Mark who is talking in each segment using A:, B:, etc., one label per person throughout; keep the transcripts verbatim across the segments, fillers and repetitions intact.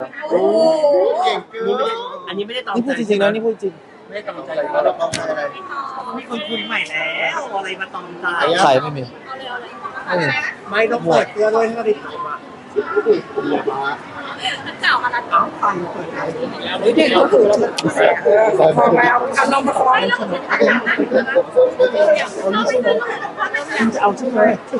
A: โอ้
B: เก่งเกิน
A: อันนี้ไม่ได้ตอง
C: นี่พูดจริงๆนะนี่พูดจริง
A: ไม่ได้ตองใจ
B: เราต้องใช้อะไร
A: มีคนคุยใหม่แล้วอะไรมาตองใจ
C: ใครไม่มีไม่มี
A: ไม่ต้องเปิดตัวด้วยถ้าได้ถ่ายมา
D: เก่าอะไร
A: เอาฟังเปิดถ่ายแล้ว
B: เด็กเขาถือแล้วมันพอแล้วเอาลงมาคอย
A: จะเอาชื่อไหม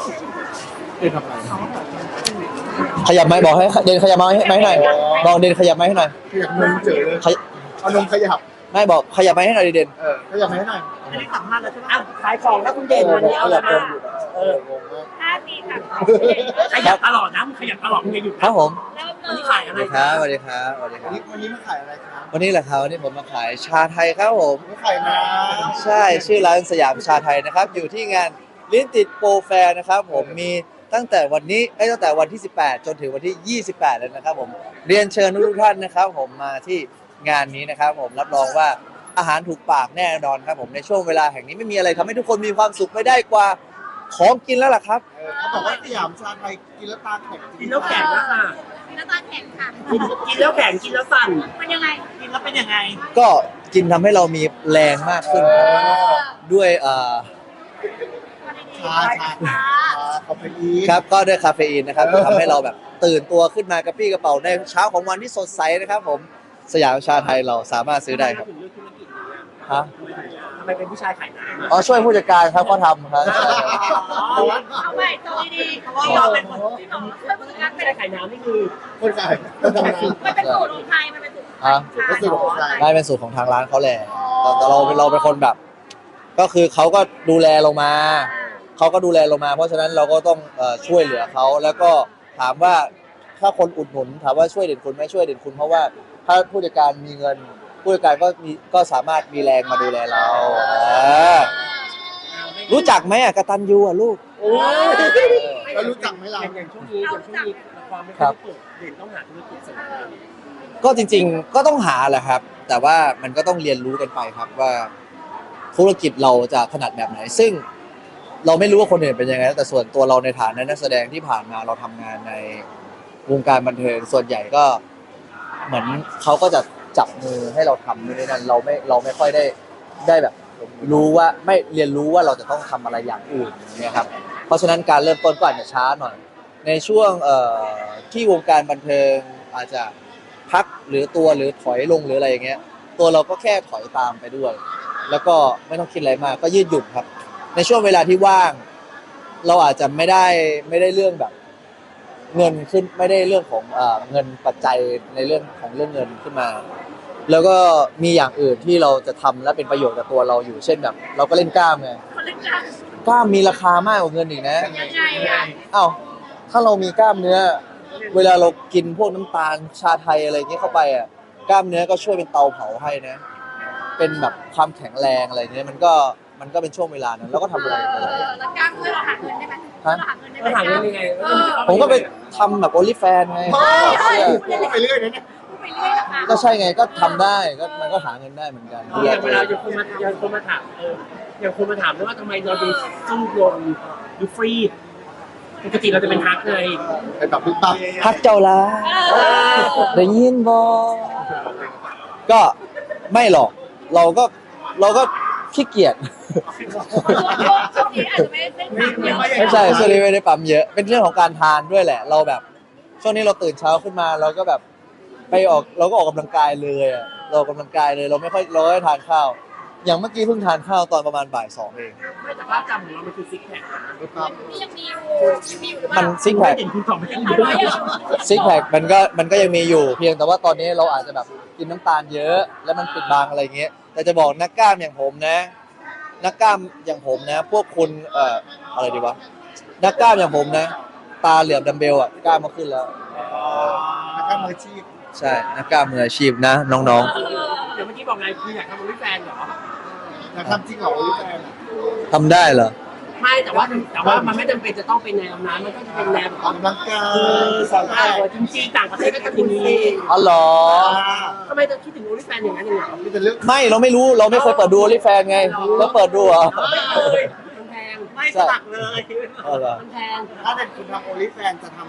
C: ขยับไม้บอกให้เดนขยับไม้ให้หน่อยบอกเดนขยับไม้ให้หน่อย
B: ขยับนมเจอเลย
C: ขย
B: เอานมขยับ
C: ไม่บอกขยับไม้ให้หน่อยดิเดน
B: เออขยับให้หน่อย
A: อันนี้สัมภาษณ์แล้วใช่ไหมอ้าวขายของแล้วคุณเด่นวันนี้เอาอะไรมาเออ
D: ห้าสี่สาม
A: ขยับตลอดนะขยับตลอดมึงยังอยู่
C: ครับผม
D: เริ่ม
A: วัน
D: เล
A: นี้
D: ย
A: ขายอะ
C: ส
A: ไร
C: วัสดีครับสวัสดีครับสวัสดีค
B: วัน
C: รับ
B: นี้วันนี้มาขายอะไรครับ
C: วันนี้แหละครับวันนี้ผมมาขายชาไทยครับผม
B: มาขายน้
C: ใช่ชื่อร้านสยามชาไทยนะครับอยู่ที่งานลิ้นติดโปรแฟร์นะครับผมมีตั้งแต่วันนี้เอ้ยตั้งแต่วันที่สิบแปดจนถึงวันที่ยี่สิบแปดเลยนะครับผมเรียนเชิญทุกท่านนะครับผมมาที่งานนี้นะครับผมรับรองว่าอาหารถูกปากแน่นอนครับผมในช่วงเวลาแห่งนี้ไม่มีอะไรทำให้ทุกคนมีความสุขไม่ได้กว่าของกินแล้วล่ะครับ
B: ำเออเขาบอกว่าสยามชาไทยกินแล้วตาแข็ง
A: กินแล้วแข็งนะค่ะ
D: มีน้ำตาลแข็งค่ะ
A: กินกินแล้วแข็งกินแล้วสั่น
D: มันยังไง
A: กินแล้วเป็นยังไง
C: ก็กินทำให้เรามีแรงมากขึ้นครับด้วยเอ่อ
B: ชาชาชาคาเฟอีน
C: ครับก็ด้วยคาเฟอีนนะครับทำให้เราแบบตื่นตัวขึ้นมากระปรี้กระเป๋าในเช้าของวันที่สดใสนะครับผมสยามชาไทยเราสามารถซื้อได้ครับ
A: ถึงเรื่องธุรกิจนี้
C: ฮะ
A: ทำไมเป็นผู้ชายขายน้ำ
C: อ๋อช่วยผู้จัดการครับเขาทำครับ
D: เอาใหม่ตัวดีๆ
A: เพราะว่าเราเป็นคน
D: ที่หนูช่วยผู้จัดการ
A: ไม่
D: เป็น
A: ได้ขายน้ำนี่คือ
B: คนขายคนทำงาน
D: มันเป็นสูตรของไทยมันเป็นสูตร
C: ฮะ
B: เป็นสูตรของใคร
C: ได้เป็นสูตรของทางร้านเขาแหละแต่แต่เราเราเป็นคนแบบ ก็คือเขาก็ดูแลลงมาเขาก็ดูแลลงมา เพราะฉะนั้นเราก็ต้องเอ่อช่วยเหลือเขาแล้วก็ถามว่าถ้าคนอุดหนุนถามว่าช่วยเด่นคุณไหมช่วยเด่นคุณเพราะว่าถ้าผู้จัดการมีเงิน ผู้จัดการก็มีก็สามารถมีแรงมาดูแลเราเออรู้จักไหมอ่ะกตัญญูอ่ะลูก
A: โอ้ย
B: แล้วรู้จักไหมเรา
A: อย่างช่วงนี้อย่างช่วงนี้ความไม่ค่อยเปิดเด่นต้องหาธุรกิจเสริม
C: ก็จริงๆ ก็ต้องหาแหละครับ แต่ว่ามันก็ต้องเรียนรู้กันไปครับว่าธุรกิจเราจะถนัดแบบไหน ซึ่งเราไม่รู้ว่าคนอื่นเป็นยังไงแต่ส่วนตัวเราในฐานะนักแสดงที่ผ่านมาเราทำงานในวงการบันเทิงส่วนใหญ่ก็เหมือนเขาก็จะจับมือให้เราทำนู่นนี่นั่นเราไม่เราไม่ค่อยได้ได้แบบรู้ว่าไม่เรียนรู้ว่าเราจะต้องทำอะไรอย่างอื่นอย่างเนี่ยครับเพราะฉะนั้นการเริ่มต้นก็อาจจะช้าหน่อย ในช่วงเอ่อที่วงการบันเทิงอาจจะพักหรือตัวหรือถอยลงหรืออะไรอย่างเงี้ยตัวเราก็แค่ถอยตามไปด้วย แล้วก็ไม่ต้องคิดอะไรมากก็ยืดหยุ่นครับ ในช่วงเวลาที่ว่าง เราอาจจะไม่ได้ไม่ได้เรื่องแบบ เงินขึ้นไม่ได้เรื่องของเอ่อเงินปัจจัยในเรื่องของเรื่องเงินขึ้นมา แล้วก็มีอย่างอื่นที่เราจะทำและเป็นประโยชน์กับตัวเราอยู่เช่นแบบ เราก็เล่นกล้ามไง
D: คนเล่นกัน
C: กล้ามมีราคามากกว่าเงินอีกนะ
D: ยังไงอ่ะ
C: อ้าวถ้าเรามีกล้ามเนื้อ เวลาเรากินพวกน้ำตาลชาไทยอะไรอย่างเงี้ยเข้าไปอ่ะกล้ามเนื้อก็ช่วยเป็นเตาเผาให้นะ เป็นแบบความแข็งแรงอะไรเงี้ยมันก็มันก็เป็นช่วงเวลานั้นแล้วก็ทำอะไรไป
D: เอ
C: เลย
D: อแล้วกล้ามเพื่อเราหาเงินได้ไหมเราหาเงินได้ไหม
A: ก็หาเงินยังไง
C: ผมก็ไปทำแบบโอลิแฟนไง
B: เฮ้ยพูดไปเรื่อยนะเนี่ย
D: พูดไปเรื่อยนะคะ
C: ก็ใช่ไงก็ทำได้ก็มันก็หาเงินได้เหมือนกัน
A: อย่างเวลาอย่างคนมาอย่างคนมาถามเอออย่างคนมาถามด้วยว่าทำไมเราดูสู้ลงดูฟรีปกติเราจะเป็นฮักเลย
B: ไปแบบปุ๊บปั๊บ
C: พักเจ้าละ
D: เออ
C: ได้ยินบอก็ไม่หรอกเราก็เราก็ขี้เกียจ
D: ช่วงนี้อาจจะไม่ได้ฟังเยอะ
C: ไม่ใช่ช่วงนี้ไม่ได้ปั๊มเยอะเป็นเรื่องของการทานด้วยแหละ เราแบบ ช่วงนี้เราตื่นเช้าขึ้นมา เราก็แบบไปออกเราก็ออกกำลังกายเลยอะเราออกกำลังกายเลยเราไม่ค่อยเราไม่ได้ทานข้าว อย่างเมื่อกี้เพิ่งทานข้าวตอนประมาณบ่ายสองเอง
A: ไม่แต่ภาพจำของเรามันคือซิกแพค
B: ปุ๊บปั๊บ
D: นี่ยังมีอยู่ยังมีอยู่หรือเป
C: มั
D: ล่าน
C: ซิกแพค
A: เห็นคุณสองไม่ได้
D: เอา
A: ดู
D: ไว้เหรอ
C: ซิกแพคมันก็มันก็ยังมีอยู่ เพียงแต่ว่าตอนนี้เราอาจจะแบบกินน้ำตาลเยอะ แล้วมันปิดบังอะไรเงี้ยแต่จะบอกนักกล้ามอย่างผมนะ นักกล้ามอย่างผมนะ พวกคุณเอ่ออะไรดีวะนักกล้ามอย่างผมนะ ตาเหลือบดัมเบลอ่ะกล้ามมาขึ้นแล้ว
B: แล้วก็มืออาชีพ
C: ใช่นักกล้ามมืออาชีพนะน้อง
A: เดี๋ยวเมื่อกี้บอกไงคืออยากทำบริแฟนเหรอ
B: อยากทำจริงเหรอโอลิแฟน
C: ๆทำได้เหรอ
A: ไม่แต่ว่าแต่ว่ามันไม่จำเป็นจะต้องเป็นแนวนั้นมันก็จะเป็นแนวแบบ
B: ออกกำลังกา
A: เออย สอนได้จริงๆต่างประเทศก็จะมี
C: อ๋อเหรอ
A: ทำไมจะคิดถึงบริแฟนอย่างนั้นอย่างนี้
B: นี่เป็นเรื่อง
C: ไม่เราไม่รู้เราไม่เคยเปิดดูโอลิแฟนไงแล้วเปิดดูเหรอ
A: เลยมันแพงไม่สมัครเลย
C: อ๋อเหรอ
A: มันแพง
B: ถ้าเป็นคุณทำโอลิแฟนจะทำค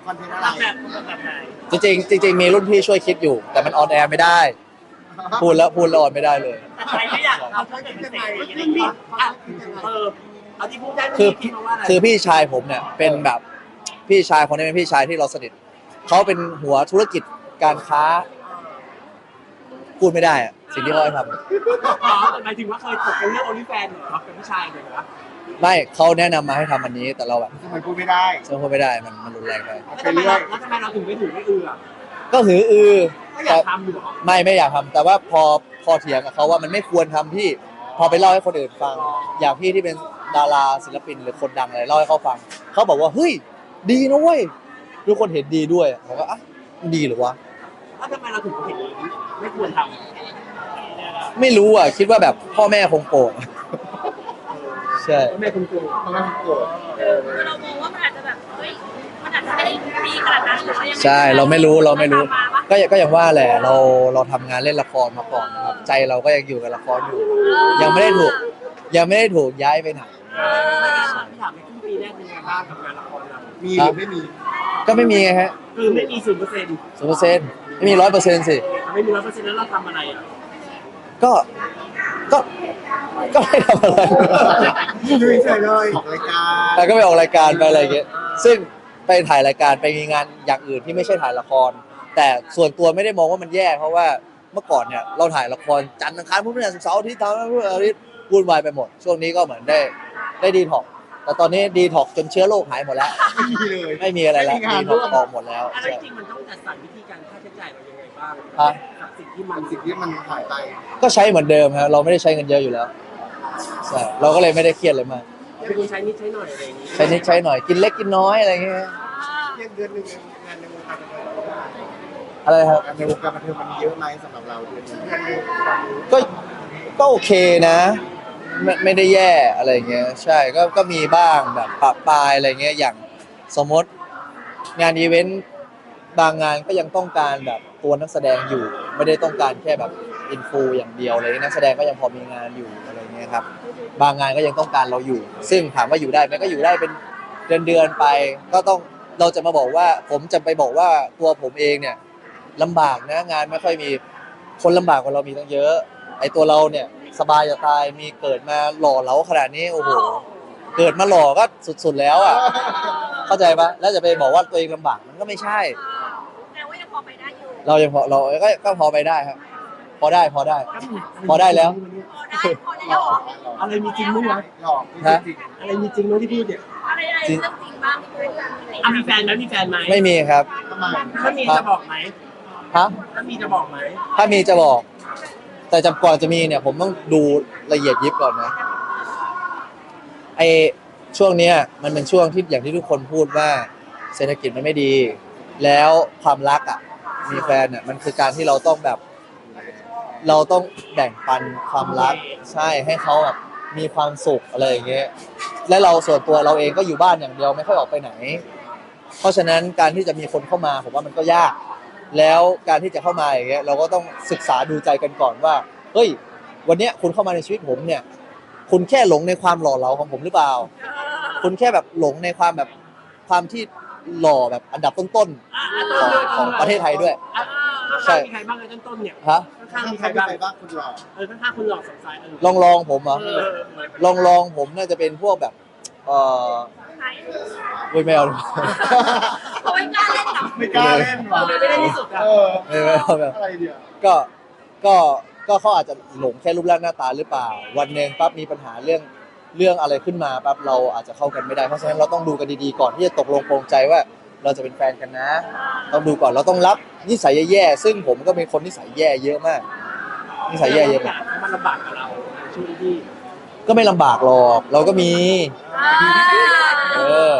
B: คอนเทนต์อะไร
A: รับแบบแบบไหน
C: จริงๆจริงๆมีรุ่นพี่ช่วยคิดอยู่ แต่มันออนแอร์ไม่ได้ พูดแล้วพูดแล้วออนไม่ได้เลย
A: แต่ใครไม่อยากทำเพื่อเป็นเศษอย่างนี้อ่ะเออเอาที่พูดได้ไม่
C: คือ
A: คิดมาว่าอะไร
C: คือพี่ชายผมเนี่ยเป็นแบบพี่ชายคนนี้เป็นพี่ชายที่เราสนิทเขาเป็นหัวธุรกิจการค้า พูดไม่ได้อะสิ่งที่เขาให้ท
A: อ๋อหมายถึงว่าเคยตกเป็นเรื่องโอลิแฟนเหรอเป็นผู้ชายเหรอ
C: ำไม่เขาแนะนำมาให้ทำอันนี้ แต่เราแบบ
B: ทำไมพูดไม่ได้
C: ซึ่งพูดไม่ได้มันมันรุนแรงไป
A: แล้วทำไมเราแล้วทำไมเราถึงไม่ถือไม่เอือ
C: ก็หืออือ
A: ก็อยากทำอยู่หรอ
C: ไม่ไม่อยากทำแต่ว่าพอพอเถียงกับเขาว่ามันไม่ควรทำพี่พอไปเล่าให้คนอื่นฟัง อย่างพี่ที่เป็นดาราศิลปินหรือคนดังอะไรเล่าให้เขาฟังเขาบอกว่าเฮ้ยดีนะเว้ยทุกคนเห็นดีด้วยผมก็อ่ะดีหรือวะ
A: แล้วทำไมเราถึงเห็นไม่ควรท
C: ไม่รู้อ่ะคิดว่าแบบพ่อแม่คงโกรธใช่
A: ำแม่คุณครู
B: เพราะว่าโกรธ
D: เออคือเรามองว่ามันอาจจะแบบเฮ้ยมันอาจจะไม่ได้ดีขนาดนั้นหรือว่ายังไง
C: ใช่เราไม่รู้เราไม่รู้
D: ทำมาปะ
C: ก็อย่างก็อย่างว่าแหละเราเราทำงานเล่นละครมาก่อนนะครับใจเราก็ยังอยู่กับละครอยู่ ยังไม่ได้ถูก ยังไม่ได้ถูกย้ายไปไหน
A: เออพี่ถามในครึ่งปีแรกเป็นไงบ้างกับงานละครเรา
B: มีหรือไม่มี
C: ก็ไม่มีไงฮะ
A: คือไม่มีศูนย์เปอร์เซ็นต์
C: ศูนย์เปอร์เซ็นต์ไม่มีร้อยเปอร์เซ็นต์สิ
A: ไม่มีร้อยเปอร์เซ็นต์แล้วเราทำอะไรอ่ะ
C: ก็ก็ก็ไม่ทำอะไร
B: ดูเฉยเลยออกรายการ
C: แต่ก็ไปออกรายการไปอะไรอย่างเงี้ยซึ่งไปถ่ายรายการไปมีงานอย่างอื่นที่ไม่ใช่ถ่ายละคร แต่ส่วนตัวไม่ได้มองว่ามันแย่เพราะว่าเมื่อก่อนเนี่ยเราถ่ายละครจันทร์อังคารพุธพฤหัสศุกร์เสาร์อาทิตย์ทำอะไรอาทิตย์วุ่นวายไปหมด ช่วงนี้ก็เหมือนได้ได้ดีท็อกซ์แต่ตอนนี้ดีท็อกซ์จนเชื้อโรคหายหมดแล้ว
B: ไม่มีเลย
C: ไม่มีอะไรแล้ว
B: ไม่มีงา
C: ดี
B: น
C: ท็
B: ร่
C: อ
B: ว
C: ก
B: ม
C: ซ์ออกหมดแล้ว
A: อะไร
C: ใช่
A: จริงมันต้องจัดสรรวิธีการค่าใช้จ่ายเรายังไงบ้าง
C: ฮะ
A: กับสิ่งที่มัน
B: สิ่งที่มันหายไป
C: ก็ใช้เหมือนเดิมครับเราไม่ได้ใช้เงินเยอะอยู่แล้วใช่เราก็เลยไม่ได้เครียดเลยมาก
A: เป็นคนใช้นิดใช้หน่อยอะไรอย่างนี้
C: ใช้นิดใช้หน่อยกินเล็กกินน้อยอะไรเงี้ย
B: เรียกเดือนหนึ่งงานในวงการบันเทิง
C: อะไรครับ
B: งานในวงการบันเทิงมันเยอะไหมสำหรับเราเดือนหนึงเดือนหนึง
C: ก็ก็โอเคนะไม่ไม่ได้แย่อะไรเงี้ยใช่ก็ก็มีบ้างแบบปะปายอะไรเงี้ยอย่างสมมติงานอีเวนต์บางงานก็ยังต้องการแบบตัวนักแสดงอยู่ ไม่ได้ต้องการแค่แบบอินฟูอย่างเดียวเลยนักแสดงก็ยังพอมีงานอยู่อะไรเงี้ยครับบางงานก็ยังต้องการเราอยู่ ซึ่งถามว่าอยู่ได้ไหมก็อยู่ได้เป็นเดือนเดือนๆไป ก็ต้องเราจะมาบอกว่า ผมจะไปบอกว่าตัวผมเองเนี่ยลำบากนะงานไม่ค่อยมีคนลำบากกว่าเรามีตั้งเยอะ ไอตัวเราเนี่ยสบายจะตายมีเกิดมาหล่อเหลาขนาดนี้โอ้โหเกิดมาหล่อก็สุดๆแล้วอ่ะเข้าใจปะแล้วจะไปบอกว่าตัวเองลำบากมันก็ไม่ใช่
D: แต่ว่ายังพอไปได้อยู่
C: เรายังพอเราก็ก็พอไปได้ครับ พอได้พอได้ พอได้แล้ว
D: พอได้พอได้แล้วเหรอ
A: อะไรมีจริงมั้งวะ
B: หลอกจริง
A: อะไรมีจริงมั้งที่พูดเนี่ย
D: อะไรอะไรเรื่องจริงบ้างที่พูด
A: อ่ะมีแฟนไหมมีแฟนไหม
C: ไม่มีครับ
B: ๆทำไม
A: ถ้ามีจะบอกไหม
C: ฮะ
A: ถ้ามีจะบอกไหม
C: ถ้ามีจะบอก แต่จำก่อนจะมีเนี่ยผมต้องดูละเอียดยิบก่อนนะไอช่วงเนี้ยมันเป็นช่วงที่อย่างที่ทุกคนพูดว่าเศรษฐกิจมันไม่ดี แล้วความรักอ่ะมีแฟนเนี่ยมันคือการที่เราต้องแบบ เราต้องแบ่งปันความรักใช่ให้เขาแบบมีความสุขอะไรอย่างเงี้ยและเราส่วนตัวเราเองก็อยู่บ้านอย่างเดียวไม่ค่อยออกไปไหน เพราะฉะนั้นการที่จะมีคนเข้ามาผมว่ามันก็ยาก แล้วการที่จะเข้ามาอย่างเงี้ยเราก็ต้องศึกษาดูใจกันก่อนว่าเฮ้ยวันเนี้ยคุณเข้ามาในชีวิตผมเนี่ย คุณแค่หลงในความหล่อเหลาของผมหรือเปล่า คุณแค่แบบหลงในความแบบความที่หล่อแบบอันดับต้น
A: อ่ะอ่ะ
C: ๆของของประเทศไทยด้วย
A: อ่ะข้างๆมีใครบ้างในต้นๆเนี่ย
C: ฮะ
A: ข้างๆมีใคร
B: ใคร
A: บ้าง
B: ไปบ้างคุณหลอก
A: เออข้างๆคุณหลอกสงสัยเออ
C: ลองลองผมเหรอ
A: เออ
C: ลองลองผมน่าจะเป็นพวกแบบเออ
D: ใคร
C: เว้ยไม่เอา
D: เขาไม่กล้าเล่นหรอ
B: ไม่กล้าเล่นหรอ
A: ไม่ได้ที่สุดอ่ะ
B: เออ
C: ไม่ไม่เอาแบบ
B: อะไรเดียว
C: ก็ก็ก็เขาอาจจะหลงแค่รูปร่างหน้าตาหรือเปล่า วันหนึ่งปั๊บมีปัญหาเรื่องเรื่องอะไรขึ้นมาปั๊บเราอาจจะเข้ากันไม่ได้เพราะฉะนั้นเราต้องดูกันดีๆก่อนที่จะตกลงปรงใจว่าเราจะเป็นแฟนกันนะ ต้องดูก่อนเราต้องรับนิสัยแย่ๆซึ่งผมก็เป็นคนนิสัยแย่เยอะมากนิสัยแย่เยอะ
A: อ
C: มาก
A: ยากให้มันลำบากกับเราช่วงที่
C: ก็ไม่ลำบากหรอกเราก็มี เออ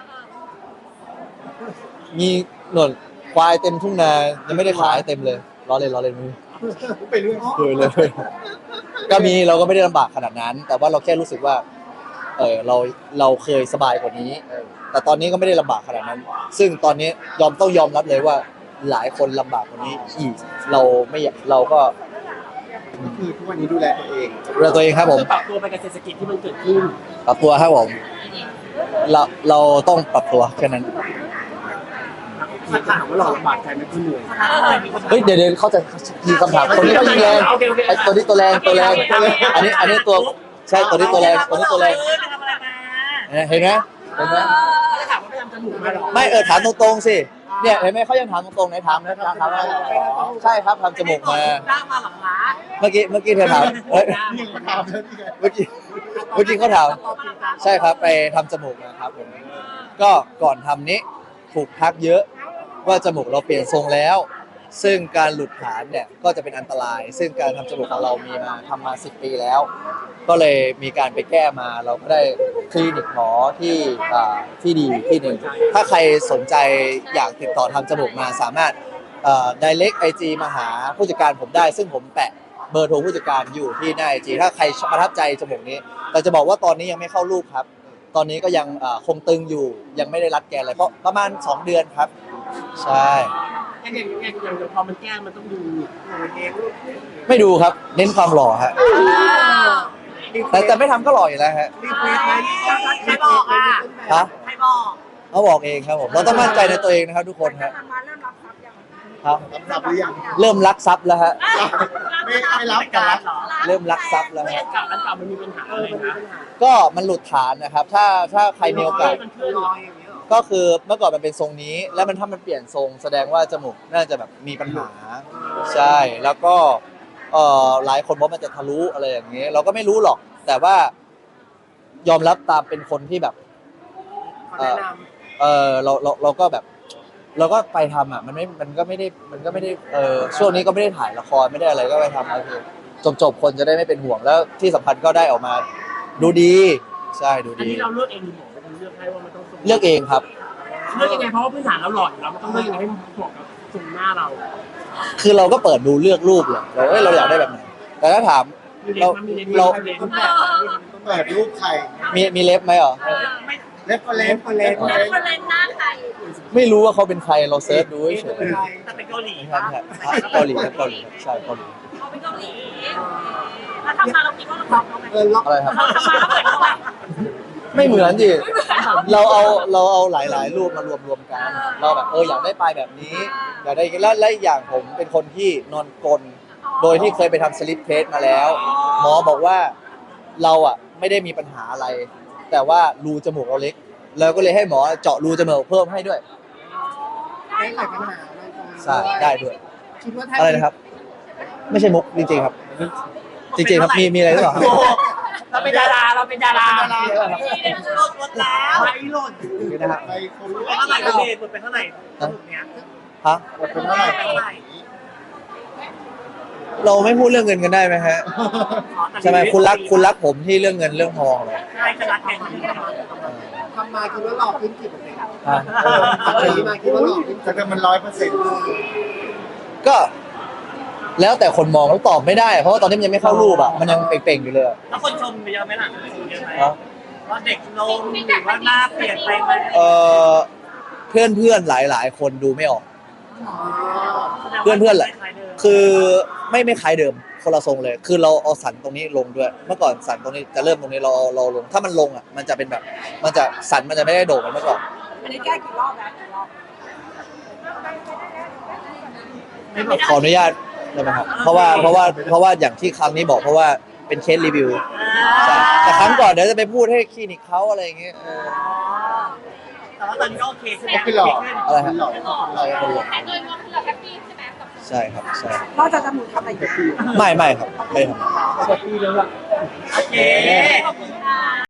C: มีหนวดควายเต็มทุ่งนายังไม่ได้ขายเต็มเลยล้อเล่นล้อเล่นมือ
B: ไปเรื่อง
C: เลยเลย ก็มีเราก็ไม่ได้ลำบากขนาดนั้น แต่ว่าเราแค่รู้สึกว่า เออเราเราเคยสบายกว่านี้เออแต่ตอนนี้ก็ไม่ได้ลำบากขนาดนั้น ซึ่งตอนนี้ยอมต้องยอมรับเลยว่า หลายคนลำบากกว่านี้อีกเราไม่อยากเราก็
B: คือทุกวันนี้ดูแลตัวเอง
C: ดูแลตัวเองครับผม
A: คือปรับตัวไปกับเศรษฐกิจที่มันเกิดขึ้น
C: ปรับตัวครับผมเราเราต้องปรับตัวแค่นั้น
A: อถ้าถามว่าเราลำบากใจไหมคือเหนื่อย
C: เฮ้ยเดี๋ยวเดี๋ยวเขาจะมีคำถามคนนี้เขายิงแรงไอ้ตัวนี้ตัวแรงตัวแรงอันนี้อันนี้ตัวใช่ตัวนี้ตัวแรงตัวนี้ตัวแรง
D: เออไปทำอะไรมา
C: เห็นไหมเห็นไหม
A: ถ้าถามว่าไปทำจมูกมาหรอ
C: ไม่เออถามตรงๆสิเนี่ยเห็นไหมเขายังถามตรงๆไหนถามนะถามถามว่าใช่ครับทำจมูกมา
A: ได้มาหลังร้าน
C: เมื่อกี้เมื่อกี้เธอถามเฮ้ย
B: นี่ยังมาถามเลยนี่ไง
C: เมื่อกี้เมื่อกี้เขาถามใช่ครับไปทำจมูกมาครับผมก็ก่อนทำนี้ถูกทักเยอะว่าจมูกเราเปลี่ยนทรงแล้ว ซึ่งการหลุดฐานเนี่ยก็จะเป็นอันตราย ซึ่งการทำจมูกของเรามีมาทำมาสิบปีแล้ว ก็เลยมีการไปแก้มาเราก็ได้คลินิกหมอที่อ่าที่ดีที่หนึ่งถ้าใครสนใจอยากติดต่อทำจมูกมาสามารถเอ่อ direct ไอ จี มาหาผู้จัดการผมได้ ซึ่งผมแปะเบอร์โทรผู้จัดการอยู่ที่หน้าไอจีถ้าใครประทับใจจมูกนี้แต่จะบอกว่าตอนนี้ยังไม่เข้ารูปครับ ตอนนี้ก็ยังเอ่อคงตึงอยู่ยังไม่ได้รัดแกนอะไรเพราะประมาณสองเดือนครับใช่
A: อย่างอย่างอย่างอย่างพอมันแก้มันต้องดูโอ้เอง
C: ไม่ดูครับเน้นความหล่อฮะแต่แต่ไม่ทำก็หล่ออยู่แล้วฮะ
A: รีเควสไหม
D: ใครบอกอ่ะ
C: ฮะ
D: ใครบอก
C: เขาบอกเองครับผมเราต้องมั่นใจในตัวเองนะครับทุกคนฮะครับ
B: รับรับหรือยัง
C: เริ่มรักทรัพย์แล้วฮะ
B: ไม่ไม่รับกันรับ
C: เริ่มรักทรัพย์แล้ว
A: อั
C: ฮะ
A: นเก่าอันเก่ามันมีปัญหาอะไรนะ
C: ก็มันหลุดฐานนะครับ ถ้าถ้าใครมีโอกาส
A: มันเคลื่อนลอยอย่างเงี้ยหรอ
C: ก็คือเมื่อก่อนมันเป็นทรงนี้ แล้วมันถ้ามันเปลี่ยนทรงแสดงว่าจมูกน่าจะแบบมีปัญหา ใช่แล้วก็เอ่อหลายคนบอกมันจะทะลุอะไรอย่างเงี้ยเราก็ไม่รู้หรอก แต่ว่ายอมรับตามเป็นคนที่แบบ
A: เขาแนะน
C: เออเราเราเราก็แบบ เราก็ไปทำอ่ะมันไม่มันก็ไม่ได้มันก็ไม่ได้เออช่วงนี้ก็ไม่ได้ถ่ายละครไม่ได้อะไรก็ไปทำอะไรจบจบๆคนจะได้ไม่เป็นห่วงแล้วที่สำคัญก็ได้ออกมา ดูดีใช่ดู
A: ำอัน
C: ดี
A: นี้เราเลือกเองหรือหมอเป็นคนเลือกให้ว่ามันต้องทรง
C: เลือกเองครับ
A: เลือกยังไงเพราะว่าพื้นฐานเราหล่ออยู่แล้วมันต้องเลือกยังไงให้เหมาะกับทรงหน้าเรา
C: คือเราก็เปิดดูเลือกรูปเลยเราเอ้ยเราอยากได้แบบไหนแต่ถ้าถาม
A: มีเล
C: เรา
A: นส์มีเลนส์
C: เรา
A: มีเลนส์
B: ต้องแบบต้องแบบรูปใคร
C: มีมีเล็บไหมเหรอ
D: เออไม่
B: เล็บก็เล็บก็เล็บก็
D: แล้ว
B: เล็บ
D: คนเล่นหน้าใคร
C: ไม่รู้ว่าเขาเป็นใครเราเซิร์ชดูเฉย
D: แต่เป็นเกาหลี
C: ๆครับเกาหลีครับเกาหลีครับใช่เกาหลี
D: เขาเป็นเกาหลีแล้วทำมาเราคิดว่าเราทำเขาไหม
B: เออล็อก
C: อะไรครับ
D: เราทำมาแล้วเหมือนเขาแบบ
C: ไม่เหมือนดิเราเอาเราเอาหลาย ๆ รูปมารวมรวมๆกัน เราแบบเอออยากได้ปลายแบบนี้ อยากได้แล้วและอีกอย่างผมเป็นคนที่นอนกลนโดยที่เคยไปทำสลิปเทสมาแล้ว หมอบอกว่าเราอ่ะไม่ได้มีปัญหาอะไร แต่ว่ารูจมูกเราเล็กเราก็เลยให้หมอเจาะรูจมูกเพิ่มให้ด้วย
B: ไม่ไขปัญหา
C: ใช่ได้ด้วย
B: คิดว่าถ้า
C: อะไรนะครับ ไม่ใช่มุกจริง ๆ ครับ จริง ๆ ครับมีมีอะไรหรือเปล่าครับ
A: เราเป็นดาราเราเป็นดารา
D: นี่เราลดลดแล้ว
A: ไม่หล่น
C: นี่นะครับ
B: ไปเขารู้
D: เป็นเท่าไหร่เราเดทเป็นเท่าไหร่สรุปเนี้ย
C: ฮะ
B: เป็นเท่าไหร่
D: เป็นเท่าไหร่
C: เราไม่พูดเรื่องเงินกันได้ไหมฮะใช่ไหมคุณรักคุณรักผมที่เรื่องเงินเรื่องทองเลย
D: ใช่จะรักแข่งกัน
B: ทำมาคิดว่าหลอกขึ้นกี่เปอร์เซ็นต์
C: ฮะ
B: เออมาคิดว่าหลอกขึ้นจะมันร้อยเปอร์เซ็นต์
C: ก็ แล้วแต่คนมองแล้วตอบไม่ได้ เพราะว่าตอนนี้มันยังไม่เข้ารูปอ่ะมันยังเป่งๆอยู่เลยอะ
D: แล้วคนชมไปเยอะไหมล่ะชมเยอะไหม
C: ฮะ
D: ว่าเด็กลงหรือว่าหน้าเปลี่ยนไปไหม
C: เออเพื่อนเพื่อนๆหลาย ๆ คนดูไม่ออก เพื่อนเพื่อนแหละ คือไม่ไม่คล้ายเดิมคนละทรงเลย คือเราเอาสันตรงนี้ลงด้วย เมื่อก่อนสันตรงนี้จะเริ่มตรงนี้เราเราลง ถ้ามันลงอ่ะมันจะเป็นแบบ มันจะสันมันจะไม่ได้โด่งเหมือนเมื่อก่อน
D: อันนี้แก้กี่รอบแล้วกี่รอบ
C: ขออนุญาตได้ไหมครับเพราะว่าเพราะว่าเพราะว่าอย่างที่ครั้งนี้บอกเพราะว่าเป็นเคสรีวิวใช่แต่ครั้งก่อนเดี๋ยวจะไปพูดให้คลินิกเขาอะไรอย่างเงี้ยเออ
D: แต่ว่าตอนนี้ก็โอเคใช่ไหม
B: ไม่หลอก
C: อะไรฮะ
B: หลอก
C: อะไรกันเลย
D: แต่โดยรวมคือเราแฮปปี้ใช่ไหมกับ
C: ใช่ครับใช่
E: นอกจากจมูกทำอะไรอีก
C: ไม่ไม่ครับไม่ทำ
A: เจ็ดปีแล้วอะ
D: โอเคขอบคุณค่ะ